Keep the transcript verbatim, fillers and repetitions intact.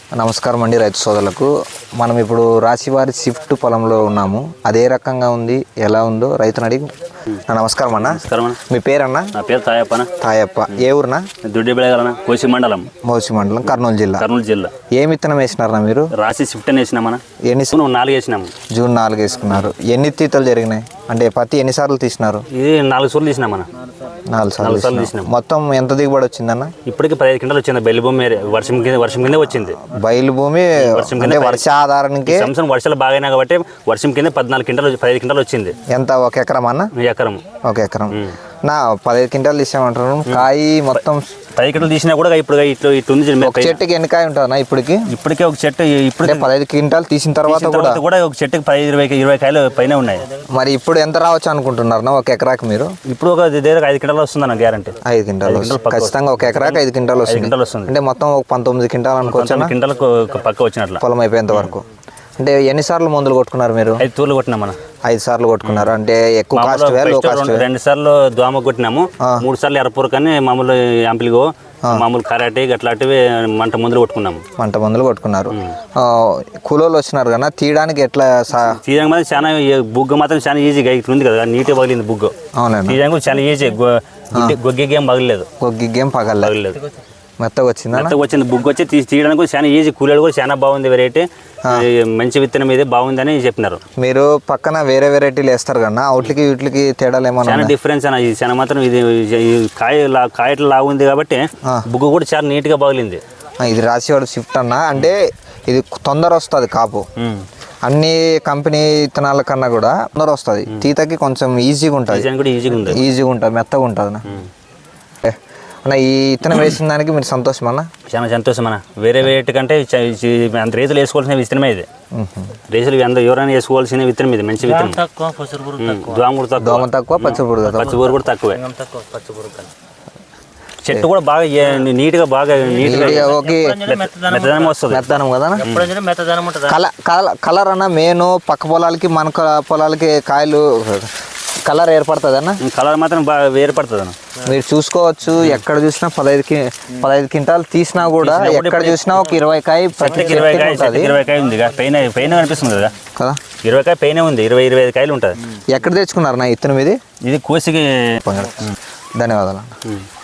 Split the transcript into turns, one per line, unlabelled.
నమస్కారం అండి రైతు సోదరులకు. మనం ఇప్పుడు రాశివారి షిఫ్ట్ పొలంలో ఉన్నాము. అదే రకంగా ఉంది, ఎలా ఉందో రైతుని అడిగి. నమస్కారం అన్న.
నమస్కారం.
మీ పేరన్నా?
నా పేరు తాయప్ప.
తాయప్ప. ఏ ఊరునా?
దుడ్డిబెళగలన, కోసి మండలం.
మోసి మండలం, కర్నూలు జిల్లా.
కర్నూలు జిల్లా.
ఏం విత్తనం వేసినారా మీరు?
రాశి షిఫ్ట్ అని వేసినామన్నా.
ఎన్ని
నాలుగు వేసినాము.
జూన్ నాలుగు వేసుకున్నారు. ఎన్ని తీతలు జరిగినాయి అంటే పత్తి ఎన్నిసార్లు తీసినారు?
ఇది నాలుగు సార్లు తీసినామన్నా.
నాలుగు సార్లు
సార్లు తీసినాం.
మొత్తం ఎంత దిగుబడి వచ్చిందన్న?
ఇప్పటికి పదిహేను క్వింటాలు వచ్చింది. బయలు భూమి వర్షం కింద వర్షం కింద వచ్చింది.
బయలు భూమి అంటే వర్ష ఆధారానికి
సంవత్సరం వర్షాలు బాగాయినా కాబట్టి వర్షం కింద పద్నాలుగు క్వింటాలు పదిహేను క్వింటాలు వచ్చింది.
ఎంత? ఒక ఎకరం అన్న?
ఎకరం.
ఒక ఎకరం నా పదిహేను క్వింటాలు తీసామంటారు. కాయ మొత్తం
పది క్వింటాలు తీసినా కూడా ఇప్పుడు ఇట్లా ఇట్లా ఉంది.
ఒక చెట్టుకి ఎన్ని కాయ ఉంటుందా ఇప్పటికి?
ఇప్పటికే ఒక చెట్టు ఇప్పుడు
పదహైదు క్వింటాలు తీసిన తర్వాత కూడా
కూడా ఒక చెట్టుకి పది ఇరవై ఇరవై కాయలు పైన ఉన్నాయి.
మరి ఇప్పుడు ఎంత రావచ్చు అనుకుంటున్నారు ఒక ఎకరాకి మీరు?
ఇప్పుడు ఒక దగ్గర ఐదు క్వింటాలు వస్తుంది అన్న గ్యారంటీ.
ఐదు క్వింటాలు ఖచ్చితంగా ఒక ఎకరాకి ఐదు క్వింటాలు వస్తుంది. అంటే మొత్తం ఒక పంతొమ్మిది క్వింటాలు అనుకోవచ్చు.
క్వింటాలు పక్క వచ్చినట్లు
పొలం అయిపోయేంత వరకు. అంటే ఎన్నిసార్లు మందులు కొట్టుకున్నారు మీరు?
ఐదు తూర్లు కొట్టినాం మన.
ఐదు సార్లు కొట్టుకున్నారు. అంటే ఎక్కువ కాస్ట్ లో కాస్ట్
రెండు సార్లు దోమ కొట్టినాము, మూడు సార్లు ఎర్రపూర కానీ మామూలు యాంపిల్గో మామూలు కరాటి అట్లాంటివి మంట మందులు కొట్టుకున్నాము. మంట మందులు కొట్టుకున్నారు. కూలోళ్ళు వచ్చినారు కదా తీయడానికి ఎట్లా? తీయడానికి మాత్రం చాలా బుగ్గ మాత్రం చాలా ఈజీగా ఇట్లా ఉంది కదా, నీట్గా పగిలింది బుగ్గ.
అవునండి.
తీయడానికి చాలా ఈజీ. గొగ్గేం పగలేదు.
గొగ్గేం పగలేదు. మెత్తగా వచ్చింది.
మెత్తగా వచ్చింది బుగ్గ వచ్చి తీయడానికి కూడా చాలా ఈజీ. కూలీలు కూడా చాలా బాగుంది. వెరైటీ మంచి విత్తనం ఇది బాగుందని చెప్పినారు.
మీరు పక్కన వేరే వెరైటీలు వేస్తారు కదా, అవుట్లకి వీటికి తేడాలు ఏమన్నా?
చాలా డిఫరెన్స్ అన్న. ఇది చాలా మాత్రం ఇది కాయ కాయట్లు లాగా ఉంది కాబట్టి బుగ్గ కూడా చాలా నీట్ గా బాగుంది.
ఇది రాశివాడు షిఫ్ట్ అన్న. అంటే ఇది తొందర వస్తుంది కాపు. అన్ని కంపెనీ విత్తనాల కన్నా కూడా తొందర వస్తుంది. తీతకి కొంచెం ఈజీగా ఉంటుంది.
ఈజీగా ఉంటుంది
ఈజీగా ఉంటుంది మెత్తగా ఉంటుంది. అన్న ఈ విత్తనం వేసిన దానికి మీరు సంతోషం అన్న?
చాలా సంతోషం అన్న. వేరే వేటి కంటే అంత రైతులు వేసుకోవాల్సిన విత్తనమే ఇది. రైతులు అంత ఎవరైనా వేసుకోవాల్సిన విత్తనం ఇది. మంచి విత్తనం. దోమ కూడా
దోమ తక్కువ, పచ్చిపురుగు
పచ్చిపురుగు కూడా తక్కువే. చెట్టు కూడా బాగా నీట్ గా బాగా మెత్తదనం వస్తుంది.
మెత్తదనం కదా. కలర్ అన్న మెయిన్ పక్క పొలాలకి మన పొలాలకి కాయలు కలర్ ఏర్పడుతుంది అన్న.
కలర్ మాత్రం బాగా ఏర్పడుతుంది అన్న.
మీరు చూసుకోవచ్చు. ఎక్కడ చూసినా పదహైదు పదహైదు క్వింటాలు తీసినా కూడా ఎక్కడ చూసినా ఒక ఇరవై కాయ
ఇరవై కాయ ఇరవై కాయ ఉంది పైన పైన కనిపిస్తుంది కదా కదా ఇరవై కాయ పైన ఉంది. ఇరవై ఇరవై ఐదు కాయలు ఉంటుంది.
ఎక్కడ తెచ్చుకున్నారు నా ఇత్తనం ఇది?
ఇది కోసికి.
ధన్యవాదాలు.